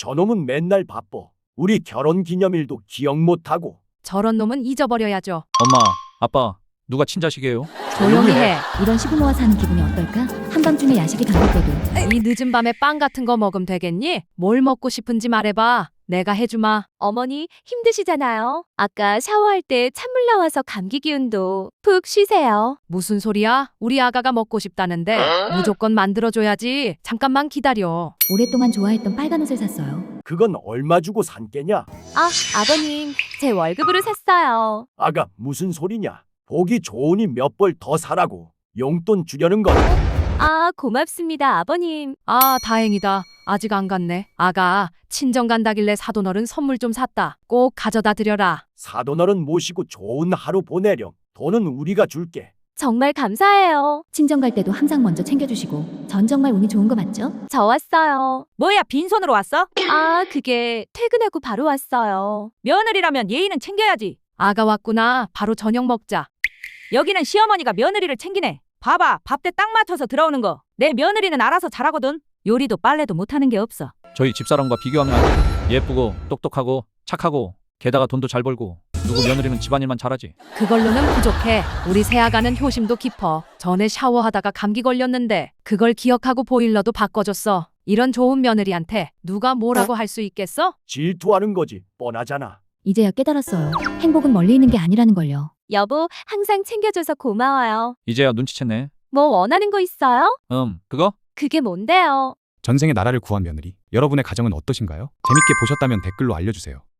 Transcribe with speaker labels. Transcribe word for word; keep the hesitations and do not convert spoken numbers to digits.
Speaker 1: 저놈은 맨날 바빠. 우리 결혼 기념일도 기억 못하고.
Speaker 2: 저런 놈은 잊어버려야죠.
Speaker 3: 엄마, 아빠, 누가 친자식이에요?
Speaker 2: 조용히 해.
Speaker 4: 이런 시부모와 사는 기분이 어떨까? 한밤중에 야식이 당길 때도
Speaker 2: 이 늦은 밤에 빵 같은 거 먹으면 되겠니? 뭘 먹고 싶은지 말해봐. 내가 해주마.
Speaker 5: 어머니 힘드시잖아요. 아까 샤워할 때 찬물 나와서 감기 기운도 푹 쉬세요.
Speaker 2: 무슨 소리야? 우리 아가가 먹고 싶다는데 무조건 만들어줘야지. 잠깐만 기다려.
Speaker 4: 오랫동안 좋아했던 빨간 옷을 샀어요.
Speaker 1: 그건 얼마 주고 산 게냐?
Speaker 5: 아, 아버님, 제 월급으로 샀어요.
Speaker 1: 아가 무슨 소리냐? 보기 좋으니 몇 벌 더 사라고. 용돈 주려는 건
Speaker 5: 아, 고맙습니다, 아버님.
Speaker 2: 아, 다행이다. 아직 안 갔네. 아가, 친정 간다길래 사돈어른 선물 좀 샀다. 꼭 가져다 드려라.
Speaker 1: 사돈어른 모시고 좋은 하루 보내렴. 돈은 우리가 줄게.
Speaker 5: 정말 감사해요.
Speaker 4: 친정 갈 때도 항상 먼저 챙겨주시고 전 정말 운이 좋은 거 맞죠?
Speaker 5: 저 왔어요.
Speaker 6: 뭐야, 빈손으로 왔어?
Speaker 5: 아, 그게 퇴근하고 바로 왔어요.
Speaker 6: 며느리라면 예의는 챙겨야지.
Speaker 2: 아가 왔구나. 바로 저녁 먹자.
Speaker 6: 여기는 시어머니가 며느리를 챙기네. 봐봐, 밥때 딱 맞춰서 들어오는 거. 내 며느리는 알아서 잘하거든. 요리도 빨래도 못하는 게 없어.
Speaker 3: 저희 집사람과 비교하면 안 돼. 예쁘고 똑똑하고 착하고 게다가 돈도 잘 벌고 누구 며느리는 집안일만 잘하지.
Speaker 2: 그걸로는 부족해. 우리 새아가는 효심도 깊어. 전에 샤워하다가 감기 걸렸는데 그걸 기억하고 보일러도 바꿔줬어. 이런 좋은 며느리한테 누가 뭐라고 할 수 있겠어?
Speaker 1: 질투하는 거지. 뻔하잖아.
Speaker 4: 이제야 깨달았어요. 행복은 멀리 있는 게 아니라는 걸요.
Speaker 5: 여보, 항상 챙겨줘서 고마워요.
Speaker 3: 이제야 눈치챘네.
Speaker 5: 뭐 원하는 거 있어요?
Speaker 3: 음, 그거?
Speaker 5: 그게 뭔데요?
Speaker 7: 전생에 나라를 구한 며느리, 여러분의 가정은 어떠신가요? 재밌게 보셨다면 댓글로 알려주세요.